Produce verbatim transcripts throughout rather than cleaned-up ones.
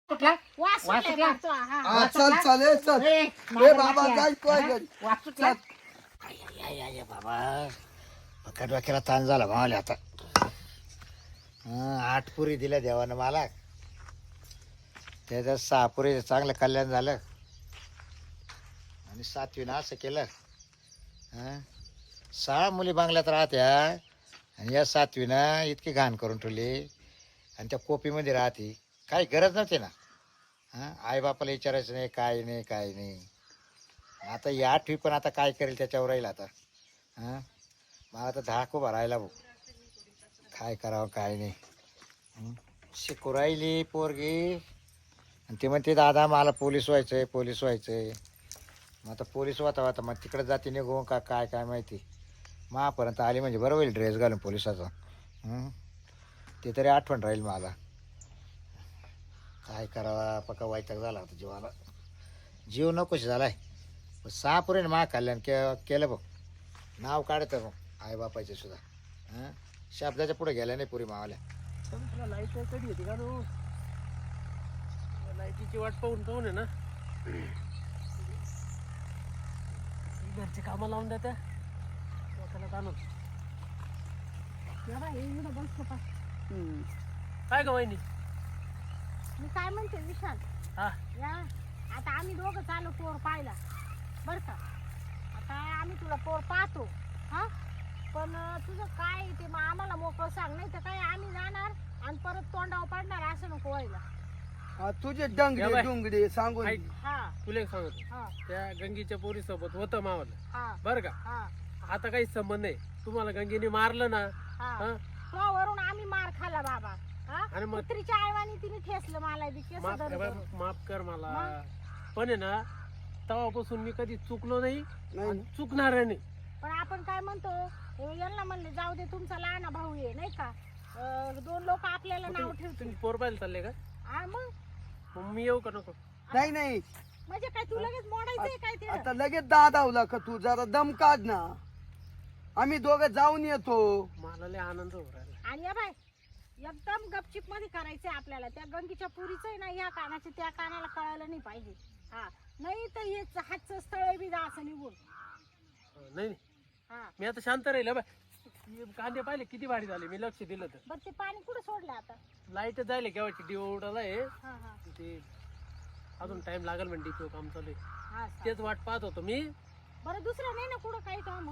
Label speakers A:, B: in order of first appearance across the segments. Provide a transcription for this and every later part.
A: कुठला
B: वास
A: वास
B: सुटलाय
A: सुटला?
B: फारचा, हा.
C: हा, चल चल ए, चल
A: ए,
C: ए
A: माझ्या
C: बाबा
A: नात्या.
C: जाय तू आहे
A: हा?
C: घरी.
A: वास सुटला?
C: चल.
D: आय, आय, आय, बाबा पक्का डोक्याला ताण झाला भावाले आता. हं, आठ पुरी दिल्या देवानं मला, त्याच्यात सहा पुरी चांगलं कल्याण झालं आणि सातवीनं असं केलं. हं, सहा मुली बांगल्यात राहत्या आणि या सातवीनं इतकी घाण करून ठेवली आणि त्या कोपीमध्ये राहते. काही गरज नव्हती ना. हां, आईबापाला विचारायचं नाही, काय नाही काय नाही. आता ही आठवी पण आता काय करेल त्याच्यावर राहील आता. हां, मला आता धाक उभा राहिला भाऊ, काय करावं काय नाही. हं, शिकू राहिली पोरगी आणि ते म्हणते दादा मला पोलीस व्हायचं आहे पोलीस व्हायचं आहे. मग आता पोलीस वाता वाता मग तिकडे जाते निघून का काय काय माहिती. महापर्यंत आली म्हणजे बरं होईल ड्रेस घालून पोलिसाचा. हं, ते तरी आठवण राहील मला. काय करावा पक्का वैताग झाला होता जीवाला. जीव नकोशी झालाय. सहा पुरीने मा कल्याण के केलं बघ. नाव काढतं मग आईबापाचे सुद्धा. हां, शब्दाच्या पुढे गेल्या नाही पुरी मावाल्या.
E: तुला लाईट कधी येते का नो? लाईटीची वाट पाहून पाहून आहे ना घरचे कामं लावून देत्या डोक्याला ताणून.
B: या बाई, इकडं बसतो पा.
E: काय ग वहिनी?
B: मी काय म्हणते विशाल,
E: हा
B: या आता आम्ही दोघं चालू पोर पाहिला बरं का. आता आम्ही तुला पोर पाहतो हा, पण तुझं काय ते मग आम्हाला मोकळं सांग, नाही तर काय आम्ही जाणार आणि परत तोंडावर पडणार, असं नको व्हायला.
C: हा, तुझे
E: या
C: डंगडे
E: बाय.
C: डुंगडे सांगून
E: ऐक.
B: हा
E: तुला एक सांगतो,
B: हा
E: त्या गंगीच्या पोरी सोबत होतं मावाला
B: हा
E: बरं का.
B: हा
E: आता काही संबंध नाही. तुम्हाला गंगेने मारलं ना.
B: हा
E: हा
B: तो वरून आम्ही मार खाल्ला बाबा. हा,
E: आणि मग
B: कुत्रीच्या आईवानी तिने ठेसलं मला बी केस
E: माफ
B: धरून
E: कर
B: धरून.
E: माफ कर मला.
B: मग?
E: पण आहे ना तेव्हापासून मी कधी चुकलो नाही
C: नाही.
E: आणि चुकणार नाही.
B: पण आपण काय म्हणतो, हे यांना म्हणले जाऊ दे तुमचा लहान भाऊ आहे नाही का. अं, दोन लोक आपल्याला
E: मग
B: नाव
E: तुम्ही
B: ठेवतील.
E: तुम्ही पोर पाहायला चालले का?
B: हा मग
E: मग मी येऊ का नको?
C: नाही नाही
B: म्हणजे काय तू लगेच मोडायचंय काय ते?
C: आता लगेच दादावला का तू जरा दम काढ ना. आम्ही दोघं जाऊन येतो.
E: मला लय आनंद होऊ राहिला.
B: आणि या बाय, एकदम गपचिप मध्ये करायचंय आपल्याला. त्या गंगीच्या पुरीच आहे ना, या कानाचे त्या कानाला कळायला नाही पाहिजे. हा, नाही तर हे हातचं स्थळ बी जा असं निघून.
E: अं, नाही नाही.
B: हा,
E: मी आता शांत राहील बा. हे कांदे पाहिले किती भारी झाले, मी लक्ष दिलं तर.
B: बरं ते पाणी कुठं सोडलं आता?
E: लाईट जायले केव्हाची डिओ उडाला आहे.
B: हा हा
E: ते अजून टाइम लागेल म्हणजे डिपो काम चालू आहे.
B: हा सा-
E: तेच वाट पाहत होतो मी.
B: बरं दुसरं नाही ना कुठं काही काम?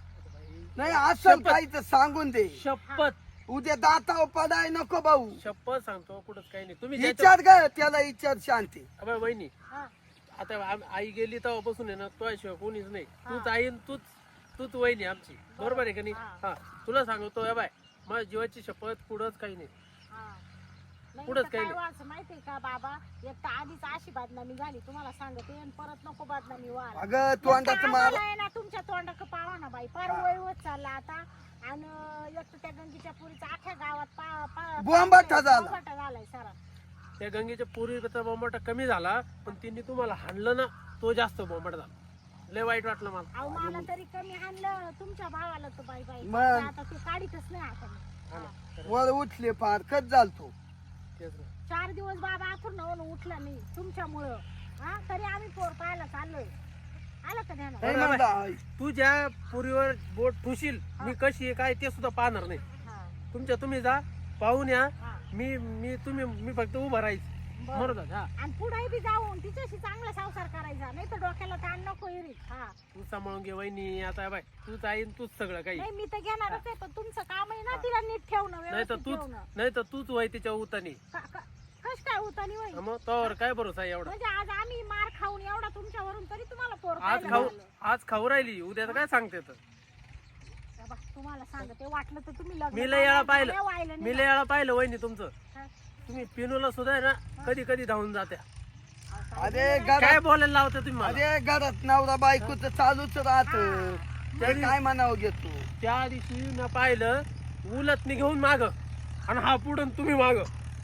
C: नाही असं काही तर सांगून दे.
E: शपथ
C: उद्या दाताव पडाय नको भाऊ.
E: शपथ सांगतो कुठंच काही नाही. तुम्ही ज्याच्या-
C: विचार काय त्याला विचार शांती.
E: अबे वहिनी,
B: हा
E: आता आम- आई गेली तेव्हापासून आहे ना तुझ्याशिवाय कोणीच नाही.
B: हा.
E: तूच आई आणि तूच तूच वहिनी आमची. बरोबर आहे का नाही?
B: हा.
E: हा, तुला सांगतो या बाय, माझ्या जीवाची शपथ कुठंच काही नाही.
B: हा. नाही
E: पुढंच
B: तर
E: काही
B: काय
E: नाही.
B: व्हायचं माहितीये का बाबा, एक तर आधीच अशी बदनामी झाली तुम्हाला सांगते, आणि परत नको बदनामी व्हायला.
C: अगं तोंडाचं मार.
B: आम्हाला आहे ना तुमच्या तोंडाक पावा ना बाई, फार वय होत चालला आता. आणि एक तर त्या गंगीच्या पुरीचा अख्ख्या गावात पा- पा-
C: बोंबाटा झाला.
B: बोंबाटा झालाय सारा.
E: त्या गंगेच्या पूर्वीचा बोंबाटा कमी झाला, पण तिने तुम्हाला हाणलं ना, तो जास्त बोंबाटा झाला. लय वाईट वाटलं मला.
B: अहो मला तरी कमी हाणलं, तुमच्या भावाला तर बाई बाई
C: मग?
B: आता ते काढीतच नाही आता मी.
E: हा ना.
B: हा.
E: खरं.
C: वर उठले फार कच झालतो.
E: तेच ना.
B: चार दिवस बाबा आथून नवून उठला नाही तुमच्यामुळं. हा, तरी आम्ही पोर पाहायला चाललोय. आलं का ध्यानात?
C: नाही
E: बरं,
C: म्हणता.
E: तू ज्या पुरीवर बोट ठुशील, मी कशी आहे काय ते सुद्धा पाहणार नाही.
B: हा,
E: तुमच्या तुम्ही जा पाहून या.
B: हा.
E: मी मी तुम्ही मी फक्त उभं राहायचं.
B: बरं.
E: बरोबर. हा,
B: आणि पुढे बी जाऊन तिच्याशी चांगला संसार करायचा, नाही तर डोक्याला ताण नको येईल. हा,
E: तू सांभाळून घे वहिनी. आता बाय, तूच आई आणि तूच सगळं काही.
B: नाही मी तर घेणारच आहे, पण तुमचं काम आहे ना तिला नीट ठेवणं,
E: नाही तर
B: व्यवस्थित
E: तूच
B: ठेवणं.
E: नाही तर तूच वय तिच्या उतानी.
B: का- का- कश काय होता नाही होईल?
E: मग तोवर काय भरोसा आहे एवढा?
B: म्हणजे आज आम्ही मार खाऊन एवढा तुमच्यावरून, तरी तुम्हाला पोर
E: आज
B: पाहायला
E: खाऊ
B: मिळालं.
E: आज खाऊ राहिली, उद्या तर काय सांगते तर.
B: बाबा, तुम्हाला सांगते वाटलं तर तुम्ही लग्न
E: मी लय वेळा
B: करा,
E: पाहिलं.
B: काय व्हायला नाही
E: मी लय वेळा पाहिलं वहिनी तुमचं.
B: हा.
E: तुम्ही पिनूला सुद्धा आहे ना कधी कधी धावून जात्या.
B: अहो, काय
C: अरे
B: बोलणार?
E: काय
C: घरात
E: बोलायला लावता तुम्ही मला?
C: अरे घरात नवरा बायकोच चालूच राहत.
E: तरी-
C: काय म्हणावं घेतो.
E: त्या दिवशी मी पाहिलं उलत मी घेऊन माग आणि हा पुढं तुम्ही माग.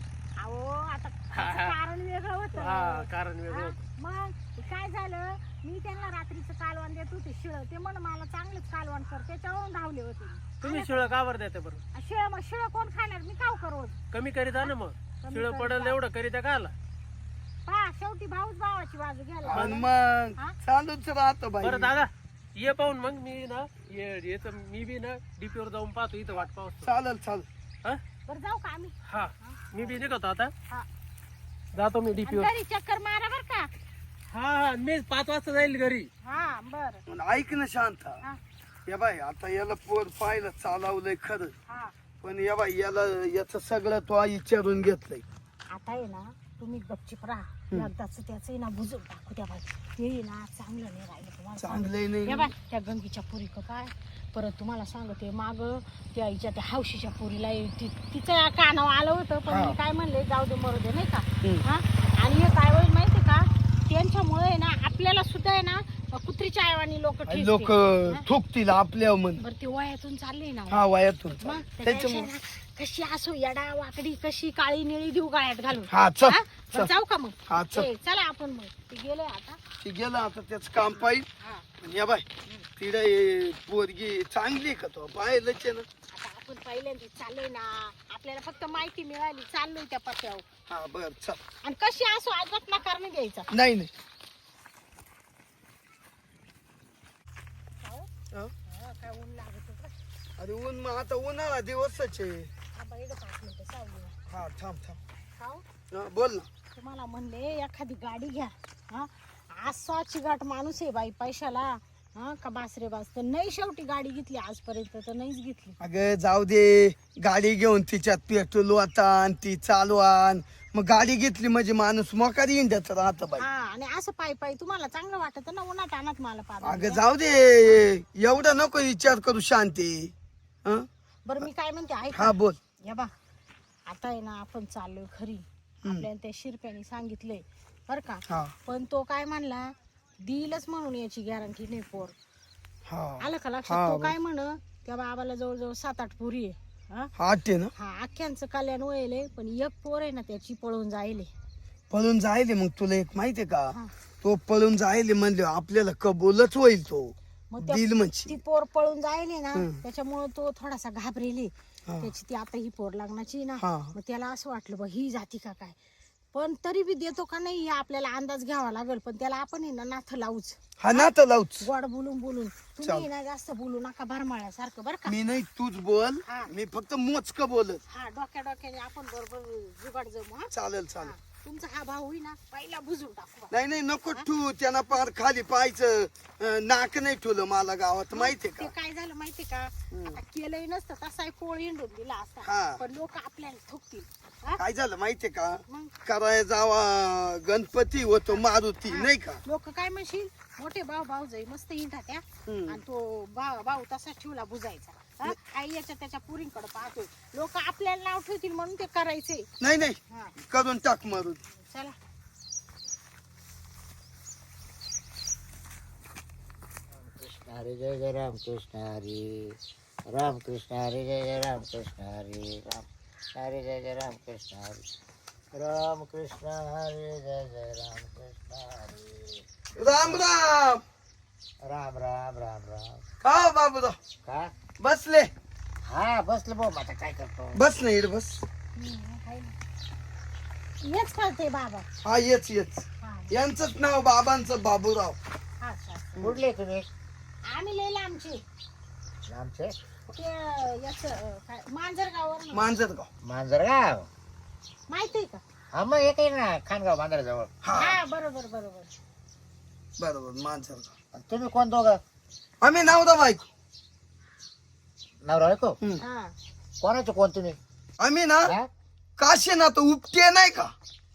B: अहो आता
E: हा,
B: त्याचं
E: हा.
B: कारण वेगळं
E: हा,
B: होतं.
E: कारण वेगळं
B: हा,
E: होतं.
B: मग काय झालं, मी त्यांना रात्रीचं कालवण देत होते शिळ, ते म्हण मला चांगलंच कालवण कर, त्याच्यावरून धावले होते मी.
E: तुम्ही शिळ का बरं देते बरं?
B: आ, शिळ मग शिळ कोण खाणार, मी काव करू रोज.
E: कमी करीता ना मग.
B: कमी
E: शिळ
B: करीता.
E: पडेल एवढं करीता का आला?
B: पहा शेवटी भाऊच भावाची बाजू घ्यायला
C: आणि
B: लागला.
C: मग
B: हा?
C: चालूच राहतो बाई
E: बरं दादा ये पाहून मग मी ना ये येतं मी बी ना डीपीवर जाऊन पाहतो इथं वाट पाहतो
C: चालेल चालेल
E: हा
B: बरं जाऊ का आम्ही
E: हा मी बी निघतो आता
B: हा
E: जातो मी
B: आणि
E: डीपीवर
B: घरी चक्कर मारा बर का
E: हा हा मी पाच वाजता जाईल घरी
B: हा बर
C: पण ऐक ना शांत
B: हा
C: या बाई आता याला पोर पाहिलं चालवलंय खरं
B: हा
C: पण या बाई याला याच सगळं तो विचारून घेतलंय
B: आता आहे ना तुम्ही गपचिप राहा एकदाच त्याच ना बुजून टाकू त्या बाई ते ना चांगलं नाही राहिलं तुम्हाला
C: चांगलंय
B: सांगते.
C: नाही
B: या बाई त्या गंगीच्या पुरी काय परत तुम्हाला सांगते माग त्या आईच्या त्या हौशीच्या पुरीला ति- तिचं कानावर आलं होतं पण
C: हा.
B: मी काय म्हणले जाऊ दे मरू दे नाही का
C: हम्म.
B: हा आणि हे काय होईल माहिती का त्यांच्यामुळे आहे ना आपल्याला सुद्धा आहे ना कुत्रीच्या आयवानी लोक
C: लोक थुकतील आपल्या मन
B: बरं ते वयातून चालले ना
C: हा वयातून
B: मग
C: त्याच्यामुळे
B: त्याच्यापेक्षा ना कशी असो येडा वाकडी कशी काळी निळी देऊ गाळ्यात घालून
C: हा चल
B: हा? बरं,
C: चल.
B: जाऊ का मग
C: हा चल
B: ए, चला आपण मग ते गेले आता
C: ती गेलं आता त्याच काम पाहिजे
B: हा
C: या बाई तिला पोरगी चांगली का तो पाहिलंच आहे ना
B: आता आपण पहिल्यांदा चाललोय ना आपल्याला फक्त माहिती मिळाली चाललोय त्या पत्त्यावर
C: हा बर चल
B: आणि कशी असो अजिबात नकार नाही द्यायचा
C: नाही नाही
B: हो?
C: हा?
B: हा, काय ऊन लागत होतं.
C: अरे ऊन मग आता उन्हाळा दिवसच आहे
B: हा, बाई इकडं पाच मिनिटं सावलीला.
C: हा थांब थांब
B: खाऊ?
C: हा, बोल ना
B: तुम्हाला म्हणले एखादी गाडी घ्या हा असा चिगाट माणूस आहे बाई पैशाला हा का बासरे बास तर नाही शेवटी गाडी घेतली आजपर्यंत तर नाहीच घेतली
C: अगं जाऊ दे गाडी घेऊन तिच्यात पेट्रोल वाटान ती चालवान मग गाडी घेतली म्हणजे माणूस मोकारी इंड्यात राहत बाई
B: हा आणि असं पायी पायी तुम्हाला चांगलं वाटत ना उन्हात आणत मला
C: अगं
B: पाहत
C: जाऊ दे एवढा नको विचार करू शांती हं?
B: बरं मी काय म्हणते ऐका
C: हा बोल
B: या बा आता आहे ना आपण चाललोय खरी आपल्याला त्या शिरप्याने सांगितलंय बर का
C: हा
B: पण तो काय म्हणला देईलच म्हणून याची गॅरंटी नाही पोर
C: हा
B: आलं का
C: हा,
B: लक्षात तो
C: बरं.
B: काय म्हण त्या बाबाला जवळजवळ सात आठ पोरी आहे हा?
C: हा ते ना
B: हा अख्ख्यांचं कल्याण वळले पण एक पोर आहे ना त्याची पळून जायले
C: पळून जायले मग तुला एक माहितीये का
B: हा.
C: तो पळून जायले म्हणले आपल्याला कबूलच होईल तो
B: मग त्या-
C: दिल म्हणजे
B: ती पोर पळून जायले ना
C: हम्म.
B: त्याच्यामुळे तो थोडासा घाबरेले
C: हा.
B: त्याची ती आता ही पोर लागण्याची ना
C: हा.
B: मग त्याला असं वाटलं बा ही जाती का काय पण तरी बी देतो का नाही हे आपल्याला अंदाज घ्यावा लागेल पण त्याला आपण आहे ना नाथ लावूच
C: हा ना तर लावूच
B: गोड बोलून बोलून तुम्ही
C: चाल.
B: ना जास्त बोलू नका भरमाळ्यासारखं बरं का
C: मी नाही तूच बोल
B: हा.
C: मी फक्त मोजक बोलत
B: हा डोक्या डोक्याने आपण बरोबर जुगाड जमू हा
C: चालेल चालेल
B: हा. तुमचा हा भाऊ होई ना पहिला बुजून टाकू बा.
C: नाही नाही नको ठू त्यांना पार खाली पाहायचं अं, नाक नाही ठेवलं मला गावात माहितीये
B: ते
C: का
B: काय झालं माहितीये का आता केलंही नसतं तसाही पोळ हिंडून दिला
C: हा.
B: असता पण लोक आपल्याला थुकतील हा?
C: काय झालं माहितीये का
B: मग
C: कराय जावा गणपती होतो मारुती नाही का
B: लोक काय म्हणशील मोठे भाऊ भाऊ जाई मस्त हिंडा त्या
C: हम्म.
B: आणि तो भाऊ भाऊ तसा ठेवला बुजायचा हा? आई याच्या त्याच्या पुरींकडे पाहतोय लोक आपल्याला नाव ठेवतील म्हणून ते करायचे
C: नाही नाही
B: हा
C: करून टाक मारुती
B: चला
D: कृष्ण हरी जय जय राम कृष्ण हरी राम कृष्ण हरी जय जय राम कृष्ण हरी राम हरी जय जय राम कृष्ण हरी राम कृष्ण हरी जय जय राम कृष्ण हरी
C: राम राम
D: राम राम राम राम
C: का बाबूराव
D: का
C: बसले
D: हा बसलो भाऊ आता काय करतो
C: बस नाही बस
B: हम्म, काही नाही. हेच करते बाबा
C: हा येच येच
B: हा
C: यांचंच नाव बाबांचं बाबूराव
B: हा अच्छा.
D: कुठले तुम्ही
B: आम्ही लिहिले आमचे
D: आमचे
B: ते याच काय मांजरगावर
C: मांजरगाव
D: मांजरगाव
B: माहितीये का
D: हा मग एक आहे ना खानगाव बांद्राजवळ
C: हा
B: हा बरोबर बरोबर
C: बरोबर मांजरगाव
D: आणि तुम्ही कोण दोघं
C: आम्ही नावदा बायको
D: नवरा बायको
C: हम्म.
B: हा
D: कोणाचे कोण तुम्ही
C: आम्ही ना
D: हा?
C: काशीनाथ उपटे नाही का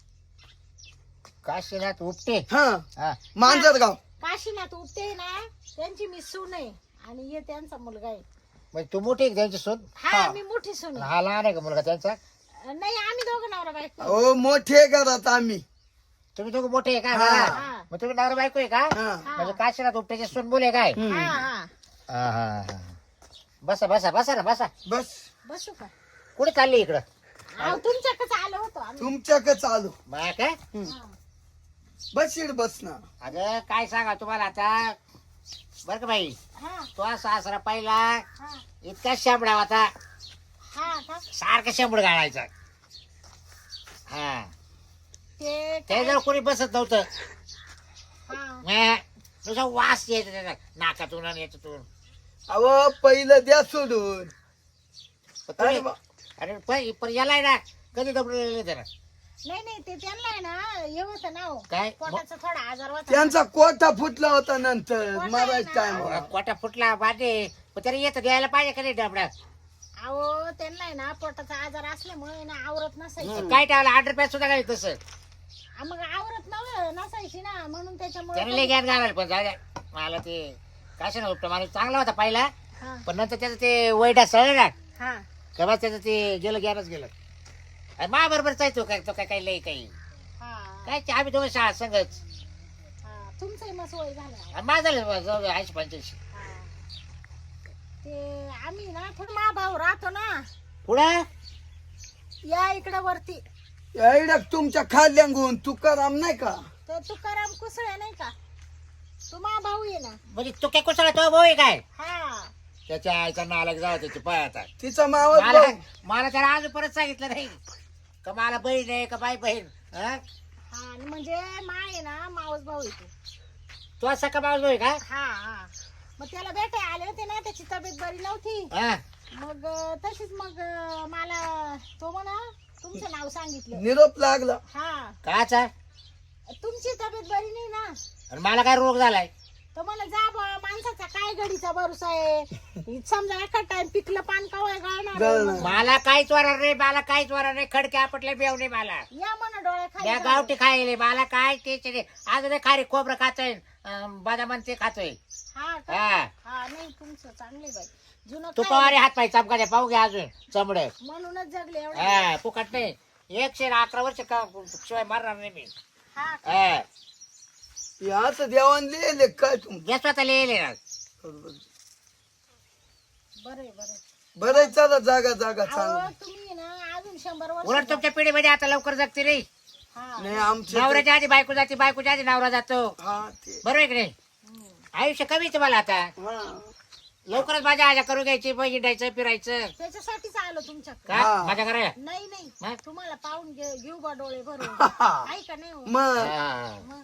D: काशीनाथ उपटे
C: हा
D: हा
C: मांजरगाव
B: काशीनाथ उपटे ना त्यांची मी सून आहे आणि हे त्यांचा मुलगा आहे
D: म्हणजे तू मोठी आहे का त्यांची सून
B: हा
C: हा.
B: मी मोठी सून आहे
D: हा लहान आहे का मुलगा त्यांचा
B: नाही आम्ही दोघं नवरा बायको आहे.
C: ओ मोठे घरात आम्ही
D: तुम्ही दोघं मोठे आहे का
C: हा.
D: हा. मग तुम्ही नवरा बायको आहे का
C: हा
B: हा.
D: म्हणजे काशीनाथ उपट्याचे सून बोले काय
C: हम्म.
B: हा हा
D: हा, हा, हा. बसा बसा बसा ना बसा
C: बस
B: बसू का
D: कुठे चालली इकडं
B: अहो तुमच्याकडे आलो होतो आम्ही
C: तुमच्याकडे चालू
D: बा काय
B: हा.
C: बस इड बस ना
D: अगं काय सांगा तुम्हाला आता बर का बाई
B: हा
D: तो सासरा पहिला
B: हा
D: इतका शांबडा होता
B: हा का
D: सारखा शांबड गाळायचा हा
B: ते
D: ते जर कोणी बसत नव्हतं
B: हा
D: म्या, नुसता वास यायचा त्याचा नाकातून आणि याच्यातून.
C: अहो पहिलं द्या सोडून.
D: पण तुम्ही-
C: अरे बा-
D: अरे पण पण याला आहे ना कधी दबडलेलं त्याला
B: नाही नाही ते त्यांना आहे ना हे होतं ना हो.
D: काय
B: पोटाचा थोडा आजार होता.
C: त्यांचा कोटा फुटला होता नंतर
B: कोटा
C: मारायचा
B: आहे ना.
C: टाइम.
D: कोटा फुटला बाटे पण त्याला येतं द्यायला पाहिजे का नाही डबडा.
B: अहो त्यांना आहे ना पोटाचा आजार असल्यामुळे ना आवरत नसायची
D: काय टाळलं आठ रुपयात सुद्धा काय तसं
B: आ, मग आवरत नव्ह नसायची ना म्हणून
D: त्याने लय
B: त्याच्यामुळे
D: ज्ञान घालायला पण जाऊ द्या. मला ते काय ना उपटा मला चांगला होता पहिला
B: हा
D: पण नंतर त्याचं ते वैडा सळलं ना
B: हा
D: तेव्हा त्याचं ते गेलं ज्ञानच गेलं. मा बरोबरच आहे तो काय तो काय काही लय काही
B: हा
D: काय ते आम्ही दोन शाळा संगच
B: हा तुमचंही मग सोय झालं
D: माझं झालं जाऊ द्या ऐंशी पंच्याऐंशी.
B: हा. ते आम्ही ना थोडं मा भाऊ राहतो ना
D: पुढं
B: या इकडे वरती
C: एवढ्या तुमच्या खाल्ल्यागून तुकाराम नाही का?
B: ते तुकाराम कुसळे नाही का तू मा भाऊ आहे ना
D: म्हणजे तू काय कुसळा तो भाऊ आहे काय
B: हा
D: त्याच्या आईचा नालायक जाऊ त्याची पाय आता
C: तिचा मावस
D: मला
C: भाऊ.
D: मला त्याला अजून परत सांगितलं नाही का मला बहीण आहे का बाई बहीण हा?
B: हा आणि म्हणजे मा आहे ना मावस भाऊ येतो
D: तू असा का मावस भाऊ आहे का
B: हा हा मग त्याला भेटाय आले होते ना त्याची तब्येत बरी नव्हती
D: हा?
B: मग अं, तशीच मग अं, मला तो म्हणा तुमचं नाव सांगितलं
C: निरोप लागला.
B: हा
D: काचा
B: तुमची तब्येत बरी नाही ना
D: आणि मला काय रोग झालाय
B: तर मला जा बा माणसाचा काय घडीचा भरोसा आहे समजा एका टाइम पिकलं पान कवाय
C: गळणार.
B: गाळणार
D: मला काहीच वरार नाही मला काहीच वरार नाही खडके आपटले बेव नाही मला
B: या म्हणा डोळ्या
D: त्या
B: खाली
D: गावठी खायले मला काय टेन्शन नाही आज नाही खारी खोबरं खातोय अं, बदामान ते खातोय
B: हा का?
D: हा
B: हा नाही तुमचं चांगले बाई जुनं
D: तू
B: काय?
D: पवारे हात पाय चमकाचे पाहू घ्या अजून चमड
B: म्हणूनच जगले एवढं
D: हा फुकट नाही एकशे अकरा वर्ष का शिवाय मारणार नाही मी
B: हा का?
D: हा
C: याच देवान लिहिले काय तुम
D: जे स्वतः लिहिले ना
B: बरे बरे
C: बरं चला जागा जागा
B: अहो
C: चांगली.
B: तुम्ही ना अजून शंभर वर्ष
D: उलट तुमच्या पिढीमध्ये आता लवकर जगते नाही
B: हा
C: नाही आमच्या
D: नवऱ्याच्या आधी बायको जाते बायकोच्या आधी नवरा जातो
C: हा ते
D: बरोबर आहे की नाही
B: हम्म.
D: आयुष्य कमी तुम्हाला आता
C: हा.
D: लवकरच माझ्या आजा करून घ्यायची पैसे द्यायचं फिरायचं
B: त्याच्यासाठीच आलो तुमच्याकडे
D: का
C: हा.
D: माझ्या घराला
B: नाही नाही
D: मग?
B: तुम्हाला पाहून घे- घेऊ बा डोळे भरून
C: हा.
B: ऐका नाही हो.
C: मग
D: हा.
B: मग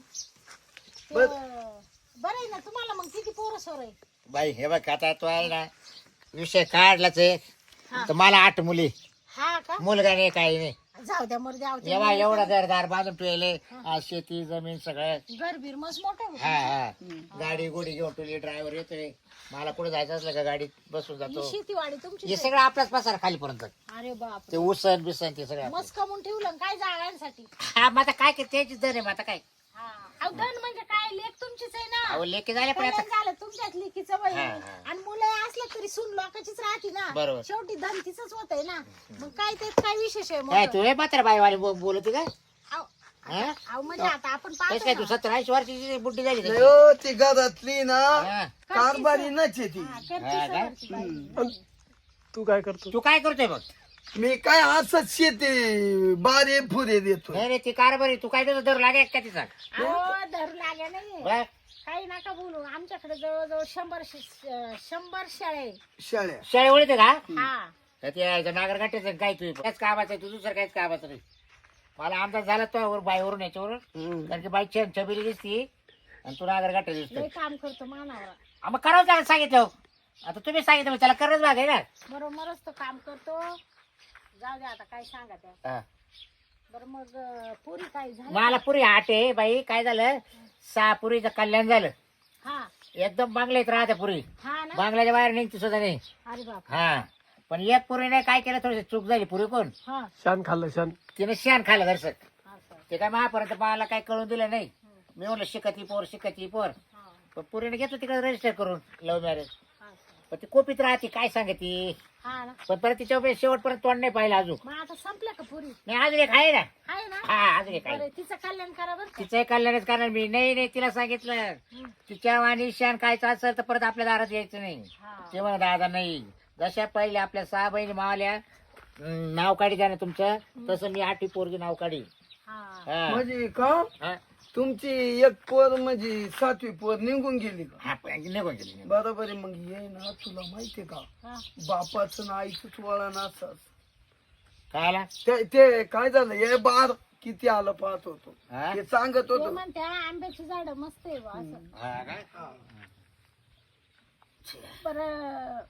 B: ते-
C: बर.
B: बरं आहे ना तुम्हाला मग किती पोरं सोर आहे
D: बाई हे बघ आता तो आहे ना विषय काढलाच आहे
B: हा.
D: तर मला आठ मुली
B: हा का
D: मुलगा नाही काही नाही
B: जाऊ द्या मर द्या
D: एवढा एवढा घरदार बांधून ठेवले आज शेती जमीन सगळं
B: घर बीर मस्त मोठं आहे
D: हा
B: बा.
D: हा गाडी गोडी घेऊन ठेवली ड्रायव्हर येतोय मला कुठे जायचं असलं का गाडीत बसून
B: ही
D: जातो
B: शेतीवाडी तुमची
D: हे सगळं आपलाच पसार खालीपर्यंत
B: अरे बाप
D: ते उसन बिसन ते सगळं आपलं.
B: मस्त कमवून ठेवलं ना काय जागांसाठी
D: हा मग आता काय त्याची दर आहे मग आता काय
B: हा अहो धन म्हणजे काय लेख तुमचीच आहे ना
D: अहो लेके झाले पण आता
B: कल्याण झालं तुमच्याच लेकीचं वय
D: हा, हा.
B: आणि मुलं असलं तरी सून लोकांचीच राहते ना
D: बरोबर.
B: शेवटी धन तिचंच होत आहे ना मग काय ते काय विशेष आहे
D: काय
B: मोठं?
D: तू हे मात्र बाईवाली बोलत का
B: अहो,
D: हा?
B: अहो म्हणजे आता आपण
D: तेच काय
B: पाहतो
D: तू
B: ना.
D: सत्तर ऐंशी वर्षाची बुड्डी झाली
C: नाही
D: तशी.
C: हो, ती घरातली ना
D: हा.
C: कारभारी नचे ती.
B: हा, करते
D: हा का?
B: सवरची बाई.
E: तू काय करतो
D: तू काय करतोय बघ
C: मी काय असंच शेती बारे फुरे देतो.
D: नाही रे ती कारभारी तू काय तुझं दर लागे का तिचा
B: अहो धरू लागे नाही
D: बघ
B: काही नका बोलू आमच्याकडे जवळजवळ शंभर शे- शंभर शाळे
C: शाळ्या
D: शाळे ओळखते का
B: हा
D: तर ते नागर गाठ्याचं काय तू काहीच कामाचं आहे तू दुसरं काहीच कामाचं नाही मला अंदाज झाला तो बाईवरून याच्यावर
C: हम्म.
D: कारण की बाई छान छबिली दिसती आणि तू नागर गाठ्या दिसतोय
B: लय काम करतो मानावर
D: हा, मग करावं त्याला सांगितलं आता तुम्ही सांगितलं मग त्याला करच भाग आहे ना
B: बरोबरच तो काम करतो जाऊ दे आता काय सांगा त्या
D: हा.
B: बरं मग अं, पुरी काय झालं
D: मला पुरी आठ आहे बाई काय झालं सहा पुरीचं कल्याण झालं
B: हा
D: एकदम बांगल्यात राहते पुरी
B: हा ना
D: बांगल्याच्या बाहेर निघते सुद्धा नाही
B: अरे बाप
D: हा पण एक पुरीने काय केलं थोडी चूक झाली पुरी कोण
B: हा
E: शान खाल्लं शान
D: तिने शान खाल्लं दर्शक
B: असं.
D: ते काय महापर्यंत मला काय कळून दिलं नाही मी म्हणलं शिकती पोर शिकती पोर
B: हा,
D: पण पुरीने घेतलं तिकडे रजिस्टर करून लव्ह मॅरेज
B: असं.
D: पण ती कोपीत राहते काय सांगते
B: हा ना
D: पण परत तिच्या शेवटपर्यंत तोंड नाही पाहिलं अजून
B: मग आता संपलं का पुरी
D: नाही अजून एक आहे ना
B: आहे ना
D: हा अजून एक आहे
B: बरं तिचं कल्याण करा बरं का?
D: तिचंही कल्याणच करणार मी नाही नाही तिला सांगितलं
B: हं.
D: तिच्या वाणी शान खायचं असेल तर परत आपल्या दारात यायचं नाही
B: हा.
D: ते म्हणा दादा नाही जशा पहिले आपल्या सहा बहिणी मावल्या अं, नाव काढी द्या ना तुमचं तसं मी आठी पोरगी नाव काढी
B: हा
D: हा.
C: म्हणजे का
D: हा.
C: तुमची एक पोर म्हणजे सातवी पोर निघून गेली का?
D: हा, पण निघून गेली निघून.
C: बरोबर आहे. मग ये ना तुला माहितीये का
B: हा
C: बापाचं ना आईच वळण असं
D: काय आला
C: ते ते काय झालं हे बार किती आलं पाहत होतो
D: हा?
C: हे सांगत
B: ते
C: होतो.
B: म्हणते आंब्याची झाड मस्त आहे बा असं.
D: हा काय?
B: बरं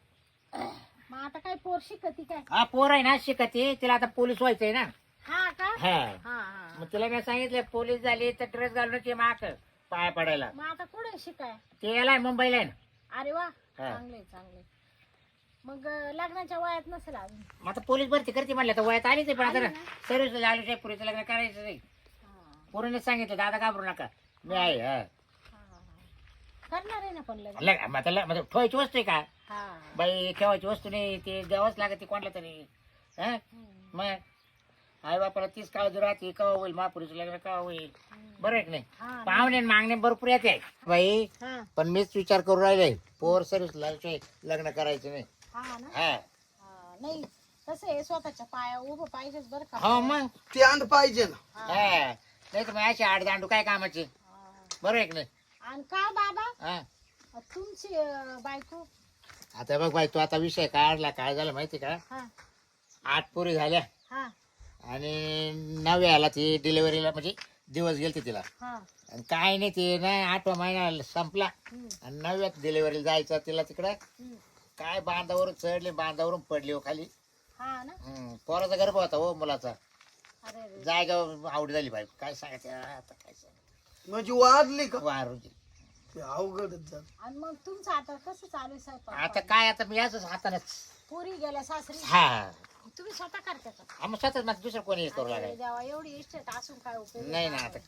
B: मग आता काय पोर शिकती काय?
A: हा पोर आहे ना शिकते तिला आता पोलीस व्हायचंय ना.
B: हा का?
A: हा
B: हा हा
A: मग तिला मी सांगितलं पोलीस झाली तर ड्रेस घालूनच ये माक पाया पडायला.
B: मग आता कुठे शिकाय?
A: ते याला आहे मुंबईला आहे ना.
B: अरे वा चांगले चांगले. मग अं, लग्नाच्या वयात नसेल अजून.
A: मग आता पोलीस भरती करते म्हणलं तर वयात आलीच आहे पण
B: आली
A: आता
B: ना?
A: सर्व्हिस आली पुरीचं लग्न करायचं नाही.
B: हा,
A: पोरीने सांगितलं दादा घाबरू नका मी आहे. हा.
B: हा, हा. करणार आहे ना पण लग्न.
A: लग- मग आता लग- म्हणजे ठेवायची वस्तू आहे का
B: हा
A: बाई ठेवायची वस्तू नाही ते द्यावंच लागते कोणाला तरी. हा
B: हम्म,
A: मग आई बापाला तीच काळजी राहते केव्हा होईल महापुरीचं लग्न केव्हा होईल.
B: हम्म.
A: बरं आहे की नाही.
B: हा,
A: पाहुणे आणि मागणे भरपूर येते बाई
B: हा,
A: पण मीच विचार करून राहिले पोर सर्व्हिस लग्न करायचं नाही.
B: हा ना.
A: हा
B: हा, नाही कसं आहे स्वतःच्या पाया उभं पाहिजेच बरं का.
A: हो मग
C: ते आण पाहिजे ना.
B: हा,
A: हा नाही तर मग अशी आड दांडू काय कामाची.
B: हा.
A: बरं आहे की नाही.
B: आणि का बाबा
A: हा
B: तुमची अं, बायको?
A: आता बघ बाई तू आता विषय काढला काय झालं माहिती का
B: हा
A: आठ पोरी झाल्या
B: हा
A: आणि नव्याला ती डिलिव्हरीला म्हणजे दिवस गेलते तिला
B: हा
A: आणि काय नाही ते ना आठवा महिना संपला
B: हम्म,
A: आणि नव्यात डिलिव्हरीला जायचं तिला तिकडं
B: हम्म.
A: काय बांधावरून चढली बांधावरून पडली हो खाली.
B: हा ना.
A: हम्म, पोराचा गर्भ होता हो मुलाचा.
B: अरे रे.
A: जागा आवडी झाली बाई काय सांगायचं आता काय सांगायचं
C: म्हणजे वाढली का?
A: वारू
C: ते अवघडच झालं.
B: आणि मग तुमचं आता कसं चालू आहे स्वयंपाक?
A: आता काय आता मी असंच हातानच.
B: पुरी गेल्या सासरी.
A: हा
B: तुम्ही स्वतः करता का?
A: आम्ही स्वतःच मग दुसरं कोणी हे करू
B: अरे
A: लागाय
B: देवा एवढी इष्टेट असून काय उपयोग?
A: नाही ना आता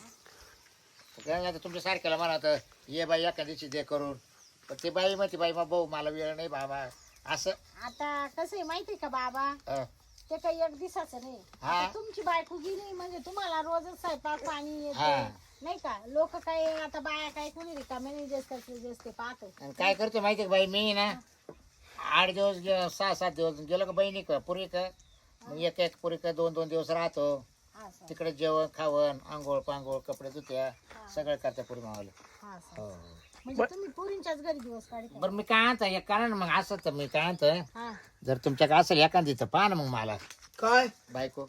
A: काय आता तुमच्या सारख्याला म्हणा आता ये बाई एका दिवशी दे करून पण ते बाई म्हणते बाई मग भाऊ मला वेळ नाही बाबा असं.
B: आता कसं आहे माहिती का बाबा
A: अं,
B: ते काही एक दिवसाचं नाही.
A: हा.
B: आता तुमची बायको गेली म्हणजे तुम्हाला रोजच स्वयंपाक पाणी
A: हा.
B: येते नाही का. लोक काय आता बाया काय कोणी रिकामे नाही जास्त जास्त पाहतो.
A: आणि काय करतो माहिती का बाई मी ना आठ दिवस गे- सहा सात दिवस गेलो का बहिणी का पुरी का मग एक एक पुरी का दोन दोन दिवस राहतो
B: असं
A: तिकडे जेवण खावण आंघोळ पांघोळ कपडे धुत्या
B: हा.
A: सगळं करता पुरी मावाला.
B: असं.
A: हो
B: म्हणजे तुम्ही पुरींच्याच घरी दिवस काढता.
A: बरं मी काय आणतो एक कारण मग असं तर मी काय आणतो
B: हा
A: जर तुमच्याकडे असेल एखादी तर पहा ना मग मला
C: काय
A: बायको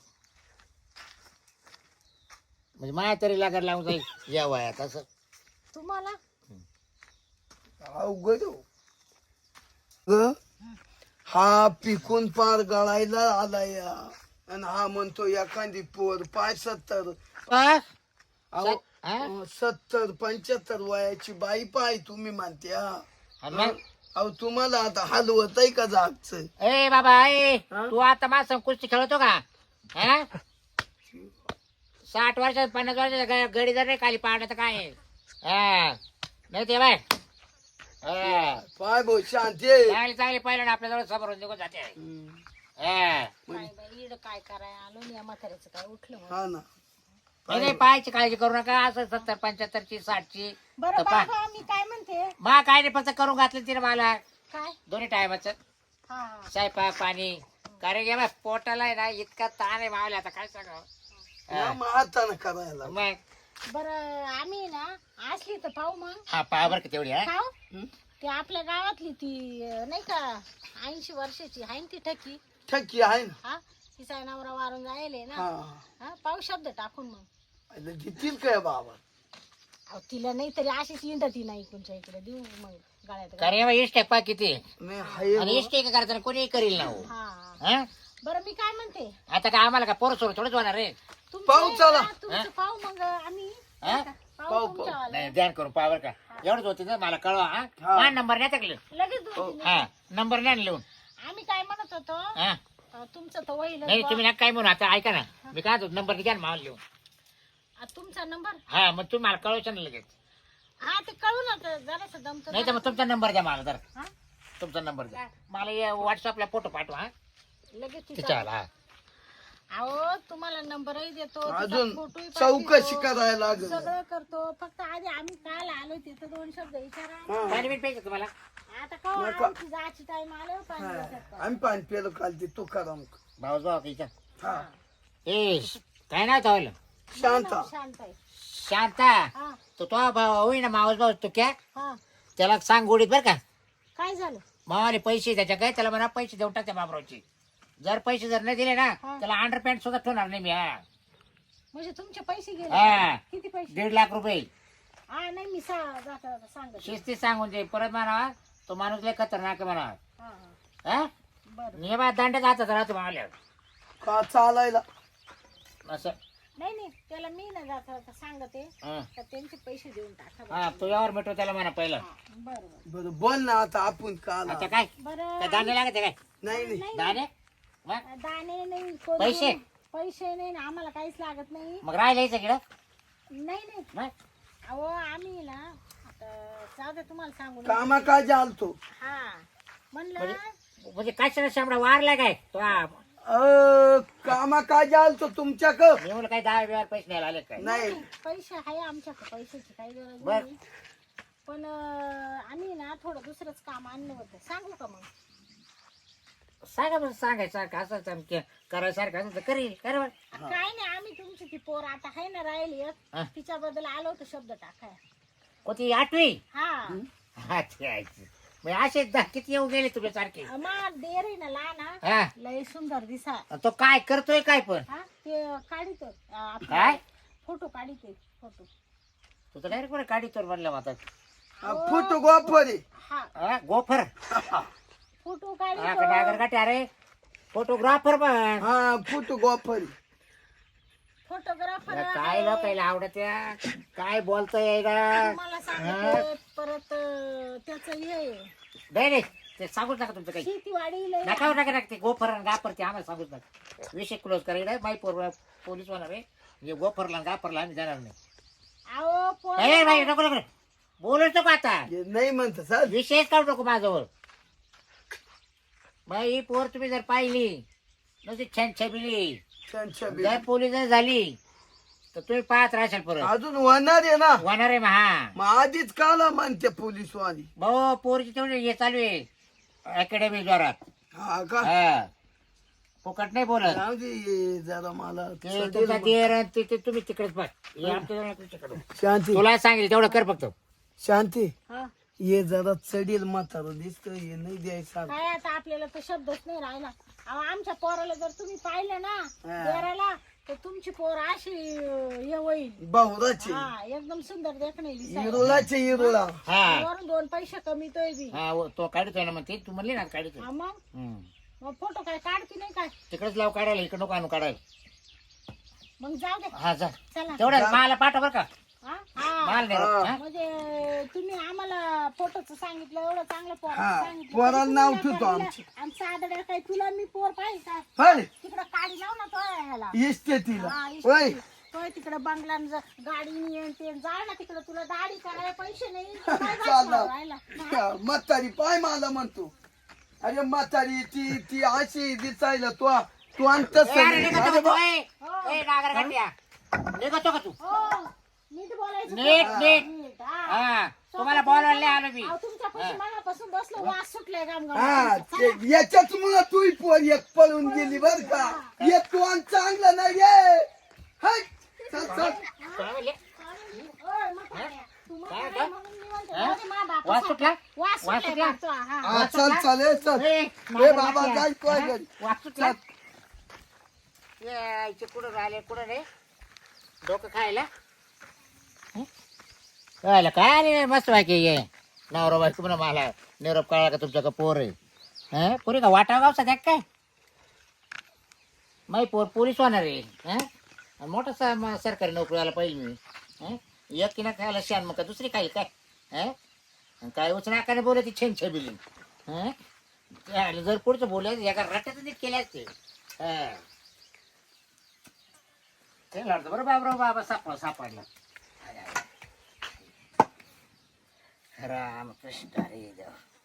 A: म्हणजे माया तरी लागायला लावून जाईल या वयात असं.
B: तुम्हाला
C: अवघड हो. ग, हा पिकून पार गळायला आला या आणि हा म्हणतो एखादी पोर पाय सत्तर
A: आ?
C: अहो,
A: हा?
C: अं, सत्तर पंच्याहत्तर वयाची बाई पाय तुम्ही म्हणते हा.
A: आणि मग?
C: अहो तुम्हाला आता हलवत आहे का जागच?
A: ए बाबा ए
C: हा?
A: तू आता माझा कुस्ती खेळतो का हा साठ वर्षात पन्नास वर्षाचा गडी जर नाही खाली पाडलं तर काय आहे? हा नाही ते बाय हा.
C: पाय भाऊ शांती आहे.
A: चांगली चांगली पाहिलं ना आपल्याजवळ समोर निघून जाते
C: हम्म.
A: हा.
B: काय बाई इड काय कराय आलो या म्हाताऱ्याचं काय उठलं म्हणून.
C: हा ना
A: नाही नाही, पाहायची काळजी करू नका असं सत्तर पंच्याहत्तरची साठची
B: बरं
A: तर पहा.
B: बाबा मी काय म्हणते
A: मा काय नाही फक्त करून घातलं तिने मला
B: काय
A: दोन्ही टायमाचं
B: हा हा.
A: स्वयंपाक पाणी कारण की बा पोटाला आहे ना इतका ताण आहे मावला आता काय सांगावं.
C: या मग हातानं करायला
A: मग
B: बरं आम्ही ना असली तर पाहू मग.
A: हा पहा बरं का तेवढी हा
B: पाहू
C: हं?
B: ती आपल्या गावातली ती अं, नाही का ऐंशी वर्षाची आहे ना ती ठकी.
C: ठकी आहे ना.
B: हा तिचा नवरा वारून जायले ना.
C: हा
B: हा पाहू शब्द टाकून मग.
C: अरे देतील काय बाबा?
B: अहो तिला नाही तरी अशीच इंडती नाही तुमच्या इकडे देऊ मग गळ्यात घाल.
A: कारण इष्ट आहे पा किती
C: नाही हाय
A: आणि
C: बुवा.
A: इष्ट आहे का करताना कोणी करील ना हो.
B: हा हा.
A: हा?
B: बरं मी काय म्हणते
A: आता काय आम्हाला का पोरं सोड थोडंच होणार रे.
B: तुमचं
C: पाहू
B: आहे
C: चला.
B: ना, तुमचं पाहू मग आम्ही
A: हा?
B: पाहू
C: पाहू,
B: तुमच्यावालं.
A: नाही ध्यान करून पहा बरं का एवढंच होती ना मला कळवा हा
C: हा.
A: हा नंबर नाही टाकलं
B: लगेच दोन तीन
A: हा नंबर नाही लिहून
B: आम्ही काय म्हणत होतो
A: हा
B: अं, तुमचं तर होईल
A: नाही तुम्ही ना काय म्हणू आता ऐका ना मी काय नंबर घ्या ना मला लिहून
B: तुमचा नंबर
A: हा मग तुम्ही मला कळवायचं ना लगेच
B: हा ते कळू ना जरास दमतो
A: नाही तर मग तुमचा नंबर द्या मला जर
B: हा?
A: तुमचा नंबर द्या मला व्हॉट्सअपला फोटो पाठवा हा
B: लगेच तिचा
A: तिच्यावाला हा
B: अहो तुम्हाला नंबरही देतो तिचा
C: अजून
B: फोटोही
C: चौकशी
B: पाठवतो,
C: करायला लागल.
B: सगळं करतो फक्त आधी आम्ही काल आलो तिथं दोन शब्द विचारा
C: हा.
A: पाणी बीट पाहिजे तुम्हाला
B: आता कवा
C: नको.
B: आमची जायची टाइम आलो पाणी
C: हा.
B: देतात का?
C: आम्ही पाणी पेलो काल ते तू करा
A: भाऊच भाऊ का
C: हा
A: ए काय नाव चावलं
C: शांता
B: शांत आहे.
A: शांता
B: हा
A: तो तो भाऊ होई ना मावस भाऊ तू क्या
B: हा
A: त्याला सांग गोडीत बरं का
B: काय झालं
A: मावाले पैसे त्याच्या काय त्याला म्हणा पैसे देऊन टाक त्या बाबरावचे जर पैसे जर नाही दिले ना
B: हा.
A: त्याला अंडर पॅन्ट सुद्धा ठेवणार नाही मी हा
B: म्हणजे तुमचे पैसे गेले
A: हा.
B: किती पैसे
A: दीड लाख रुपये
B: हा नाही मी सा- जाता जाता सांगते
A: शिस्ती सांगून दे परत म्हणा तो माणूस लय खतरनाक आहे म्हणा
B: हा हा
A: हा
B: बरं
A: नियमात दांड्यात हातात राहतो मावल्या
C: का चालायला
A: असं
B: नाही नाही त्याला मी ना जाता जाता सांगते
A: हा.
B: तर त्यांचे पैसे देऊन टाका बरं.
A: हा तू यावर मिटव त्याला म्हणा पहिलं
B: हा, बरं बरं
C: बरं बोल ना आता आपण काला
A: आता काय
B: बरं
A: काय दाणे लागते काय
C: नाही नाही
B: नाही
A: दाणे मग
B: दाणे नाही कोण-
A: पैसे?
B: पैसे नाही ना आम्हाला काहीच लागत नाही
A: मग राहिलं सगळं
B: नाही नाही
A: मग
B: अहो आम्ही ना आता जाऊ दे तुम्हाला सांगू ना.
C: कामा काय जालतो
B: हा म्हणलं
A: म्हणजे म्हणजे काय सगळं शामडा वारला काय तो हा.
C: अ कामा काय जालतो तुमच्याक
A: मी म्हणलं काय दहा वेळा पैसे न्यायला आले काय
C: नाही
B: पैसे आहे आमच्याकडे पैशाची काही गरज
A: बर.
B: नाही पण अं, आम्ही ना थोडं दुसरंच काम आणलं होतं सांगू का मग
A: सांगा बरं सांगायचं असं चमके करायसारखं असं तर करील कर बरं.
B: काय नाही आम्ही तुमची ती पोर आता आहे ना राहिली एक,
A: हा.
B: तिच्याबद्दल आलो होतो शब्द टाकाय
A: कोणती आठवी
B: हा
A: हा ते आहे. मग असे दा- किती येऊ गेले तुझ्या सारखे
B: मग देर आहे ना लहान हा.
A: हा
B: लय सुंदर दिसा
A: आणि तो काय करतोय काय पण
B: हा ते काढित
A: काय?
B: फोटो काढित फोटो
A: तू तर डायरेक्ट काढीतोर म्हणलं आता
C: फुट गोफरी
B: हा
A: हा, गोफर
B: फोटो
A: हा
B: काढित
A: का डागर काटे अरे फोटोग्राफर पण
C: हा फुट गोफरी
B: फोटोग्राफर
A: काय लोकायला आवडत या काय बोलतोय का
B: मला सांगते परत त्याच हे
A: नाही नाही ते सांगूच नका तुमचं काही
B: शेती वाढी लय
A: नका नका नका ते गोफर आणि गाफर ते आम्हाला सांगूच नका विषय क्लोज करायला माई पोर पोलीस होणार आहे म्हणजे गोफरला आणि गाफरला आम्ही जाणार नाही
B: अहो पोर
A: नाही बाई नको नको बोलूच नको आता
C: हे नाही म्हणत सर
A: विषयच काढू नको माझ्यावर बाई ही पोर तुम्ही जर पाहिली नुसती छान छबिली जर पोलीस झाली तर तुम्ही पाहत राहशाल परत
C: अजून होणार आहे ना
A: होणार आहे महा
C: मग आधीच काला म्हणते पोलीस वाली
A: भाऊ पोरची तेवढी हे चालू आहे अकॅडमी जोरात
C: हा का
A: हा फुकट नाही बोलत
C: जाऊ दे हे जरा मला
A: ते तुमचा देर आणि ते- ते तुम्ही तिकडेच पाह हे आमच्या तुमच्याकडे
C: शांती
A: तुला सांगितलं तेवढं कर फक्त
C: शांती
B: हा.
C: ये जरा चढील म्हातारा दिसत हे नाही द्यायचं
B: काय आता आपल्याला तर शब्दच नाही राहिला अहो आमच्या पोराला जर तुम्ही पाहिलं ना
C: हा.
B: देराला तर तुमची पोर अशी अं, हे होईल
C: बहुराचे
B: हा एकदम सुंदर देखणे
C: इरुळाचे इरुळा
A: हा
B: वरून दोन पैसे कमीतोय बी
A: हा व- तो काढतोय ना मग ते तू म्हणली ना काढतोय
B: हा मग
A: हम्म.
B: मग फोटो काय काढते नाही काय
A: तिकडेच लाव काढायला इकडे नको आणू काढायला
B: मग जाऊ दे
A: हा जा
B: चला
A: तेवढं मला पाठव बरं का
B: हा? हा.
A: माल नाही राहत, हा?
B: म्हणजे तुम्ही आम्हाला फोटोच सांगितलं एवढं चांगलं पोर
C: हा,
B: सांगितलं
C: पोराला
B: तुम्ही
C: नाव
B: काय
C: ठेवतो
B: दिलं?
C: आमचं.
B: आमचं आदड्या काय तुला मी पोर पाहिजे काय
C: होय
B: तिकडं काढी लाव ना तो ह्याला
C: इष्टे तिला
B: हा,
C: होय
B: इष्ट- तोय तिकडं बंगला गाडी येईन ते जा ना तिकडं तुला दाढी करायला पैसे नाही तू काय
C: चाललं.
B: बसला राहिला? हा?
C: म्हातारी पाय मला म्हणतो अरे म्हातारी ती ती अशी दिसायला तू तू आणतस
A: ए, अरे निघतो का तू? ए,
B: हो.
A: ए, नागरगट्ट्या. निघतो का तू
B: हो नीट बोलायचं
A: नीट
B: हा.
A: नीट
B: नीट, हा.
A: हा तुम्हाला बोलायला नाही आलो मी
B: अहो, तुमच्या पैसे मनापासून बसलो वास सुटले गाम
C: हा ते याच्याच मुळे तू पोर एक पळून गेली बर का हे तू आण चांगलं नाही रे हाय, चल चल
A: काय म्हणले? काय, काय? हा? वास
B: वास
A: सुटला?
B: वास
A: वास
B: सुटला
A: सुटला?
B: हा.
C: हा चल चल ए, चल
A: ए,
C: ए बाबा
A: नागरगट्ट्या.
C: जाय काय
A: हा?
C: घरी
A: वास सुटला? ये, इथे कुठं राहिले कुठं रे डोकं खायला हं? खायला काय रे मस्त बाकी ये नवरा बायको म्हणा मला निरोप कळला का तुमच्या का पोर आहे हं? पोरी का वाटा गावचा द्या काय माही पोर पोलीस होणार आहे हं? आणि मोठा सा- म- सरकारी नोकरीला पाहिजे मी हं? एक किना खायला शान मग का दुसरी खाईल काय हं? आणि काय उचना आकाने बोलायची छेन छबिली हं? त्याला जर पुढचं बोलायचं एका रट्यात नीट केले असते हं. ते लढतं बरं बाबराव बाबा सापडला सापडला राम कृष्ण हरी देव